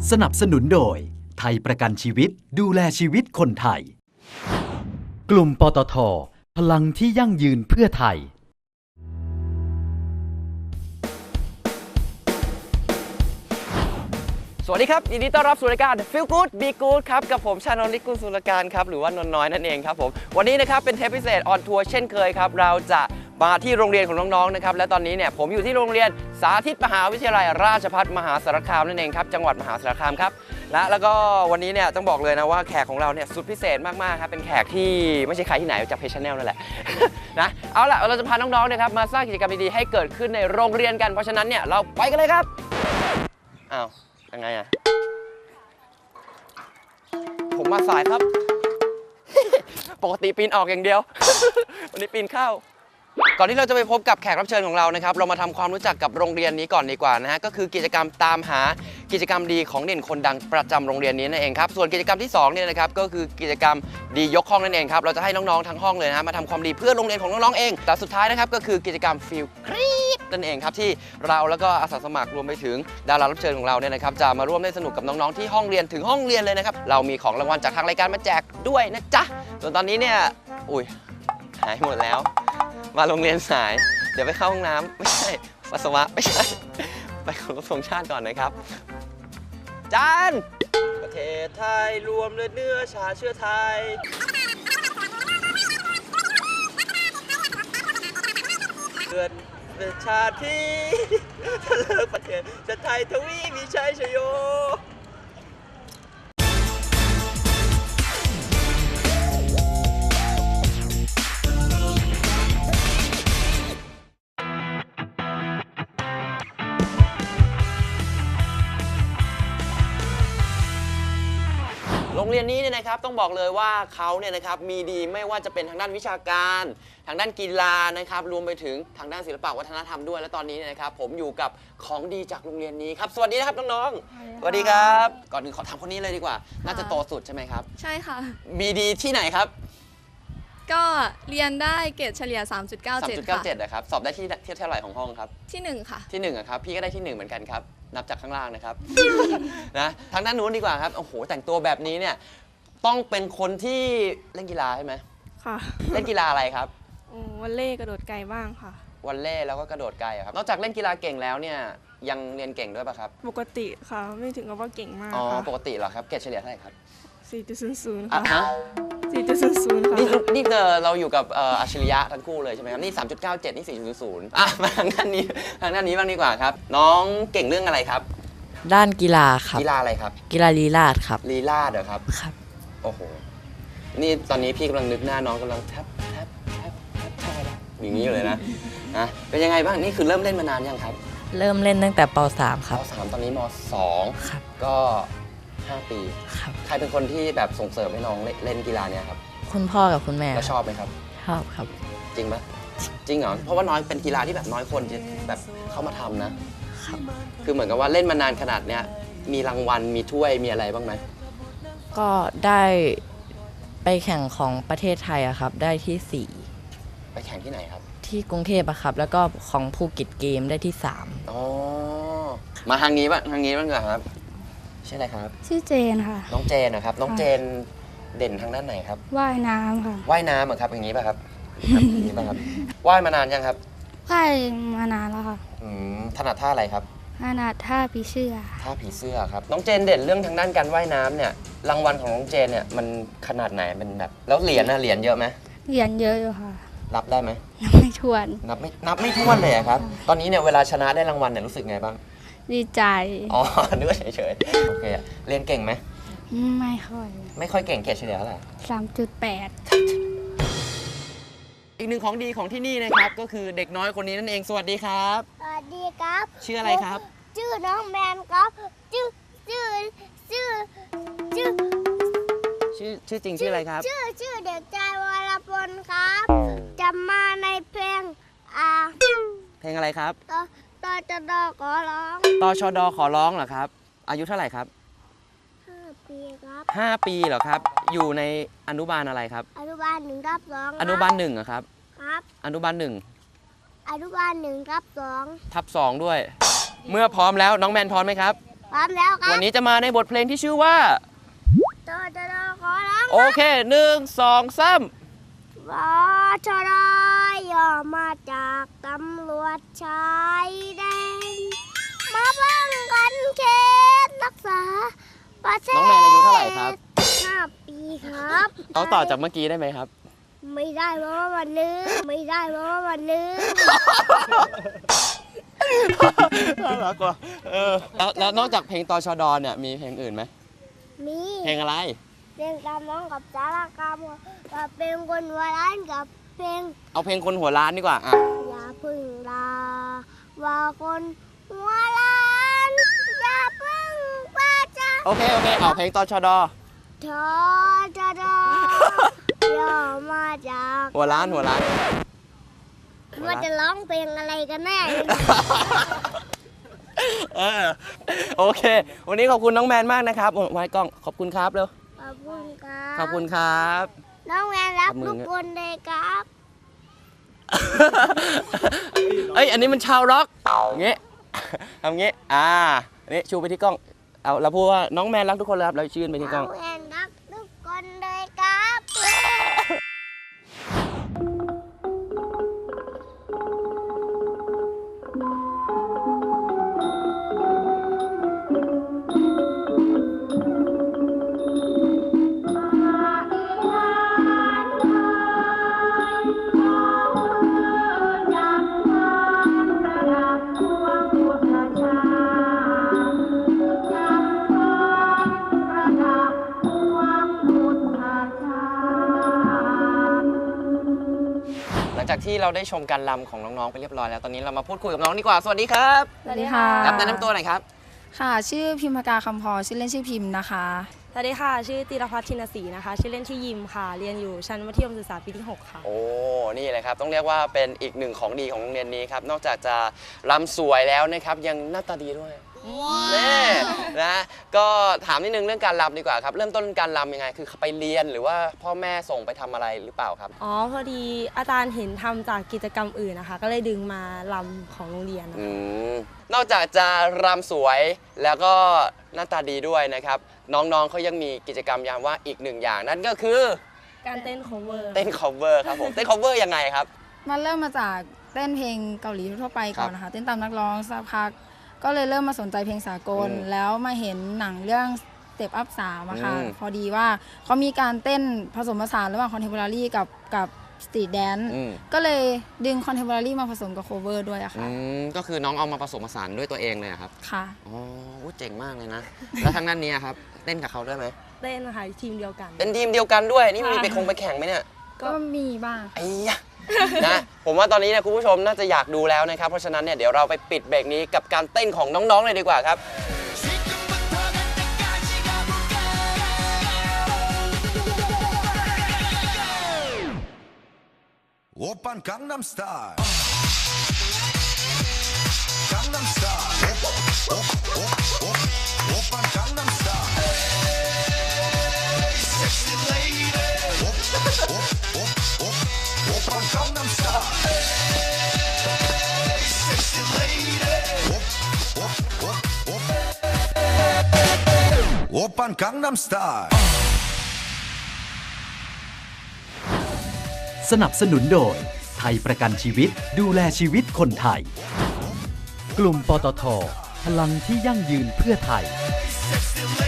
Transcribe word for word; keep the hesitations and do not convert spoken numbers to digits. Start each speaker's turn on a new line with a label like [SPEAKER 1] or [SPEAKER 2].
[SPEAKER 1] สนับสนุนโดยไทยประกันชีวิตดูแลชีวิตคนไทยกลุ่มปตท.พลังที่ยั่งยืนเพื่อไทย
[SPEAKER 2] สวัสดีครับยินดีต้อนรับสู่รายการ Feel Good Be Good ครับกับผมชานนท์ ลิกุลสุรการครับหรือว่านนท์น้อยนั่นเองครับผมวันนี้นะครับเป็นเทปพิเศษออนทัวร์เช่นเคยครับเราจะมาที่โรงเรียนของน้องๆนะครับและตอนนี้เนี่ยผมอยู่ที่โรงเรียนสาธิตมหาวิทยาลัยราชภัฏมหาสารคามนั่นเองครับจังหวัดมหาสารคามครับและแล้วก็วันนี้เนี่ยต้องบอกเลยนะว่าแขกของเราเนี่ยสุดพิเศษมากๆครับเป็นแขกที่ไม่ใช่ใครที่ไหนจากเพจ Channel นั่นแหละ นะเอาล่ะเราจะพาน้องๆนะครับมาสร้างกิจกรรมดีๆให้เกิดขึ้นในโรงเรียนกันเพราะฉะนั้นเนี่ยเราไปกันเลยครับอ้าวยังไงอะผมมาสายครับ ปกติปีนออกอย่างเดียว วันนี้ปีนเข้าก่อนที่เราจะไปพบกับแขกรับเชิญของเรานะครับเรามาทำความรู้จักกับโรงเรียนนี้ก่อนดีกว่านะฮะก็คือกิจกรรมตามหากิจกรรมดีของเด่นคนดังประจำโรงเรียนนี้นั่นเองครับส่วนกิจกรรมที่สองเนี่ยนะครับก็คือกิจกรรมดียกห้องนั่นเองครับเราจะให้น้องๆทั้งห้องเลยนะมาทำความดีเพื่อโรงเรียนของน้องๆเองแต่สุดท้ายนะครับก็คือกิจกรรมฟิลครีปนั่นเองครับที่เราแล้วก็อาสาสมัครรวมไปถึงดารารับเชิญของเราเนี่ยนะครับจะมาร่วมเล่นสนุกกับน้องๆที่ห้องเรียนถึงห้องเรียนเลยนะครับเรามีของรางวัลจากทางรายการมาแจกด้วยนะจ๊ะส่วนตอนนี้เนี่ยอุ้ยหายหมดแล้วมาโรงเรียนสายเดี๋ยวไปเข้าห้องน้ำไม่ใช่ปัสสาวะไม่ใช่ไปเคารพธงชาติก่อนนะครับจานประเทศไทยรวมเลือดเนื้อชาเชื้อไทยเกิดเป็นชาติที่เลิกประเทศจะไทยทวีมีชัยชโยโรงเรียนนี้เนี่ยนะครับต้องบอกเลยว่าเขาเนี่ยนะครับมีดีไม่ว่าจะเป็นทางด้านวิชาการทางด้านกีฬานะครับรวมไปถึงทางด้านศิลปะวัฒนธรรมด้วยและตอนนี้เนี่ยนะครับผมอยู่กับของดีจากโรงเรียนนี้ครับสวัสดีนะครับน้องๆสวัสดีครับก่อนอื่นขอถามคนนี้เลยดีกว่าน่าจะโตสุดใช่ไหมครับ
[SPEAKER 3] ใช่ค่ะ
[SPEAKER 2] มีดีที่ไหนครับ
[SPEAKER 3] ก็เรียนได้เกรดเฉลี่ย สามจุดเก้าเจ็ด
[SPEAKER 2] สามจุดเก้าเจ็ดนะครับสอบได้ที่เท่าไหร่ของห้องครับ
[SPEAKER 3] ที่หนึ่งค่ะ
[SPEAKER 2] ที่หนึ่งครับพี่ก็ได้ที่หนึ่งเหมือนกันครับนับจากข้างล่างนะครับ นะทางด้านนู้นดีกว่าครับโอ้โหแต่งตัวแบบนี้เนี่ยต้องเป็นคนที่เล่นกีฬาใช่ไหม
[SPEAKER 3] ค่ะ
[SPEAKER 2] เล่นกีฬาอะไรครับ
[SPEAKER 3] วอลเลย์กระโดดไกลบ้างค่ะ
[SPEAKER 2] วอลเลย์แล้วก็กระโดดไกลครับนอกจากเล่นกีฬาเก่งแล้วเนี่ยยังเรียนเก่งด้วยป่ะครับ
[SPEAKER 3] ปกติค่ะไม่ถึงกับว่าเก่งมาก
[SPEAKER 2] อ๋อ
[SPEAKER 3] ค่ะ
[SPEAKER 2] ปกติเหรอครับเกรดเฉลี่ยเท่าไหร่ครับ
[SPEAKER 3] สี่จุดศูนย์ศูนย์
[SPEAKER 2] อ่ะ
[SPEAKER 3] ค่ะ
[SPEAKER 2] ฮะ
[SPEAKER 3] สี่จุดศูนย์ศูนย์ ค่ะ
[SPEAKER 2] นี่นี่เจอเราอยู่กับอัจฉริยะทั้งคู่เลยใช่ไหมครับนี่ สามจุดเก้าเจ็ด นี่ สี่จุดศูนย์ อ่ะมาทางด้านนี้ทางด้านนี้บ้างดีกว่าครับน้องเก่งเรื่องอะไรครับ
[SPEAKER 4] ด้านกีฬาครับ
[SPEAKER 2] กีฬาอะไรครับ
[SPEAKER 4] กีฬาลีลาศครับ
[SPEAKER 2] ลีลาศเหรอครับ
[SPEAKER 4] ครับ
[SPEAKER 2] โอ้โหนี่ตอนนี้พี่กำลังนึกหน้าน้องกำลังแทบแทบแทบแทบแทบอย่างนี้อยู่เลยนะนะเป็นยังไงบ้างนี่คือเริ่มเล่นมานานยังครับ
[SPEAKER 4] เริ่มเล่นตั้งแต่ป สาม ครับ
[SPEAKER 2] ป สาม ตอนนี้ม สอง
[SPEAKER 4] ครับ
[SPEAKER 2] ก็ห้าปี
[SPEAKER 4] ครับ
[SPEAKER 2] ใครเป็นคนที่แบบส่งเสริมให้น้องเล่นกีฬาเนี่ยครับ
[SPEAKER 4] คุณพ่อกับคุณแม่
[SPEAKER 2] แล้วชอบไหมครับ
[SPEAKER 4] ชอบครับ
[SPEAKER 2] จริงปะจริงเหรอเพราะว่าน้อยเป็นกีฬาที่แบบน้อยคนจะแบบเข้ามาทำนะครับคือเหมือนกับว่าเล่นมานานขนาดเนี้ยมีรางวัลมีถ้วยมีอะไรบ้างไหม
[SPEAKER 4] ก็ได้ไปแข่งของประเทศไทยอะครับได้ที่สี่
[SPEAKER 2] ไปแข่งที่ไหนครับ
[SPEAKER 4] ที่กรุงเทพอะครับแล้วก็ของภูเก็ตเกมได้ที่สาม
[SPEAKER 2] อ๋อมาทางนี้บ้างทางนี้บ้างครับชื่ออะไรครับ
[SPEAKER 5] ชื่อเจนค่ะ
[SPEAKER 2] น้องเจนนะครับน้องเจนเด่นทางด้านไหนครับ
[SPEAKER 5] ว่ายน้ำค่ะ
[SPEAKER 2] ว่ายน้ำเหรอครับอย่างนี้ป่ะครับอย่างนี้ป่ะครับว่ายมานานยังครับ
[SPEAKER 5] ว่ายมานานแล้วค่ะ
[SPEAKER 2] อืมถนัดท่าอะไรครับ
[SPEAKER 5] ถนัดท่าผีเสื้อ
[SPEAKER 2] ท่าผีเสื้อครับน้องเจนเด่นเรื่องทางด้านการว่ายน้ำเนี่ยรางวัลของน้องเจนเนี่ยมันขนาดไหนเป็นแบบแล้วเหรียญนะเหรียญเยอะไหม
[SPEAKER 5] เหรียญเยอะอยู่ค่ะ
[SPEAKER 2] รับได้ไหม
[SPEAKER 5] นับไม่ถ้วน
[SPEAKER 2] นับไม่นับไม่ถ้วนเลยครับตอนนี้เนี่ยเวลาชนะได้รางวัลเนี่ยรู้สึกไงบ้าง
[SPEAKER 5] ดีใจ
[SPEAKER 2] อ๋อนึกว่าเฉยๆโอเคเรียนเก่งไหม
[SPEAKER 5] ไม่ค่อย
[SPEAKER 2] ไม่ค่อยเก่งเกรดเฉลี่ยเท่าไหร่
[SPEAKER 5] สามจุดแปด
[SPEAKER 2] อีกหนึ่งของดีของที่นี่นะครับก็คือเด็กน้อยคนนี้นั่นเองสวัสดีครับ
[SPEAKER 6] สวัสดีครับ
[SPEAKER 2] ชื่ออะไรครับ
[SPEAKER 6] ชื่อน้องแมนครับชื่อชื่อชื่อชื่อ
[SPEAKER 2] ชื่อชื่อจริงชื่ออะไรครับ
[SPEAKER 6] ชื่อชื่อเด็กชายวรพลครับจะมาในเพลงอ่า
[SPEAKER 2] เพลงอะไรครับ
[SPEAKER 6] ต่อต่อจะดอขอร้อง
[SPEAKER 2] ตชดขอร้องเหรอครับอายุเท่าไหร่ครับ
[SPEAKER 6] ห้าปีครับ
[SPEAKER 2] ห้าปีเหรอครับอยู่ในอนุบาลอะไรครับ
[SPEAKER 6] อนุบาลหนึ่งทับสอง
[SPEAKER 2] อนุบาลหนึ่งเหรอครับ
[SPEAKER 6] ครับ
[SPEAKER 2] อนุบาลหนึ่ง
[SPEAKER 6] อนุบาลหนึ่งทับสอง
[SPEAKER 2] ทับสองด้วยเมื่อพร้อมแล้วน้องแมนพร้อมไหมครับ
[SPEAKER 6] พร้อมแล้วครับ
[SPEAKER 2] วันนี้จะมาในบทเพลงที่ชื่อว่า
[SPEAKER 6] โตโตโตขอร้อง
[SPEAKER 2] โอเคหนึ่งสองสาม
[SPEAKER 6] วอชรอย่อมาจากตำรวจชายแดนมาป้องกันเขตรักษาประเทศ
[SPEAKER 2] น้องแมนอายุเท่าไหร่ครับ
[SPEAKER 6] ห้าปีครับ
[SPEAKER 2] เขาต่อจากเมื่อกี้ได้ไหมครับ
[SPEAKER 6] ไม่ได้เพราะว่ามันลืมไม่ได้เพราะว่ามันลืม
[SPEAKER 2] น่ารักว่ะเออแล้วแล้วนอกจากเพลงตชดเนี่ยมีเพลงอื่นไหม
[SPEAKER 6] มี
[SPEAKER 2] เพลงอะไร
[SPEAKER 6] เพลงตามน้องกับสารกรรมกับเพลงคนหัวร้านกับเพลง
[SPEAKER 2] เอาเพลงคนหัวล้านดีกว่าอ่ะ
[SPEAKER 6] อย่าพึ่งลาว่าคนหัวร้านอย่าพึ่งป้าจ้า
[SPEAKER 2] โอเคโอเคเอาเพลงตชด
[SPEAKER 6] ทอจดอย่อมาจาก
[SPEAKER 2] หัวล้านหัวล้าน
[SPEAKER 6] ว่าจะร้องเพลงอะไรกันแน่
[SPEAKER 2] เออโอเค วันนี้ขอบคุณน้องแมนมากนะครับโอ้ไว้กล้องขอบคุณครับเร็ว
[SPEAKER 6] ขอบคุณครับ
[SPEAKER 2] ขอบคุณครับ
[SPEAKER 6] น้องแมนรัก
[SPEAKER 2] ขอบคุณ
[SPEAKER 6] ทุกคนเลยครับ
[SPEAKER 2] เอ้ยอันนี้มันชาวร็อกอย่างงี้ทำงี้อ่าอันนี้ชูไปที่กล้องเอาเราพูดว่าน้องแมนรักทุกคนเลยครับเราชื่นไปที่กล้
[SPEAKER 6] น้
[SPEAKER 2] อ
[SPEAKER 6] อง งแมนรักทุกคนเลยครับ
[SPEAKER 2] หลังจากที่เราได้ชมการรำของน้องๆไปเรียบร้อยแล้วตอนนี้เรามาพูดคุยกับน้องดีกว่าสวัสดีครับ
[SPEAKER 7] สวัสดีค่ะ
[SPEAKER 2] ครับแนะนำตัวหน่อยครับ
[SPEAKER 7] ค่ะ ชื่อพิมพากาคำพอชื่อเล่นชื่อพิมพ์นะคะ
[SPEAKER 8] สวัสดีค่ะ ชื่อตีรพัฒน์ชินศรีนะคะ ชื่อเล่นชื่อยิมค่ะ เรียนอยู่ชั้นมัธยมศึกษาปีที่หกค่ะ
[SPEAKER 2] โอ้ นี่เลยครับ ต้องเรียกว่าเป็นอีกหนึ่งของดีของโรงเรียนนี้ครับ นอกจากจะรำสวยแล้วนะครับ ยังหน้าตาดีด้วยแน่นะ ก็ถามนิดนึงเรื่องการรำดีกว่าครับ เริ่มต้นการรำยังไง คือไปเรียนหรือว่าพ่อแม่ส่งไปทำอะไรหรือเปล่าครับ
[SPEAKER 8] อ๋อ พอดีอาจารย์เห็นทำจากกิจกรรมอื่นนะคะ ก็เลยดึงมาลำของโรงเรียนนะคะ
[SPEAKER 2] อืม นอกจากจะรำสวยแล้วก็หน้าตาดีด้วยนะครับ น้องๆเขายังมีกิจกรรมยามว่างอีกหนึ่งอย่าง นั่นก็คือ
[SPEAKER 8] การเต้น cover
[SPEAKER 2] เต้น cover ครับผม เต้น cover ยังไงครับ
[SPEAKER 7] มันเริ่มมาจากเต้นเพลงเกาหลีทั่วไปก่อนนะคะ เต้นตามนักร้องสักพัก ก็เลยเริ่มมาสนใจเพลงสากล
[SPEAKER 2] อืม
[SPEAKER 7] แล้วมาเห็นหนังเรื่อง Step Up สามอะค่ะ
[SPEAKER 2] อืม
[SPEAKER 7] พอดีว่าเขามีการเต้นผสมผสานระหว่างคอนเทม p o รารีกับกับสตรีทแดนซ์
[SPEAKER 2] อืม
[SPEAKER 7] ก็เลยดึงคอนเทม p o รารีมาผสมกับโคเวอร์ด้วยอะ
[SPEAKER 2] อื
[SPEAKER 7] ค่ะ
[SPEAKER 2] ม ก็คือน้องเอามาผสมผสานด้วยตัวเองเลยเหรอครับ
[SPEAKER 7] ค่ะ
[SPEAKER 2] อ๋ออุ๊ยเจ๋งมากเลยนะ แล้วทางด้านนี้อะครับ เต้นกับเขาด้วยไหม
[SPEAKER 8] เต้นค่ะทีมเดียวกัน
[SPEAKER 2] เป็นทีมเดียวกันด้วย นี่มี
[SPEAKER 8] ค่ะ
[SPEAKER 2] ไปคงไปแข่งไหมเนี่ย
[SPEAKER 7] ก็มีบ้าง
[SPEAKER 2] ไอ้ยะ นะ ผมว่าตอนนี้เนี่ยคุณผู้ชมน่าจะอยากดูแล้วนะครับ เพราะฉะนั้นเนี่ยเดี๋ยวเราไปปิดเบรกนี้กับการเต้นของน้องๆเลยดีกว่าครับ
[SPEAKER 9] 오빤 강남스타일 강남스타일 오빤 강남스타일 섹시 레이디 오빤 강남스타일 섹시 레이디 오빤 강남스타일
[SPEAKER 1] สนับสนุนโดยไทยประกันชีวิตดูแลชีวิตคนไทย กลุ่มปตท พลังที่ยั่งยืนเพื่อไทย
[SPEAKER 9] Sexy lady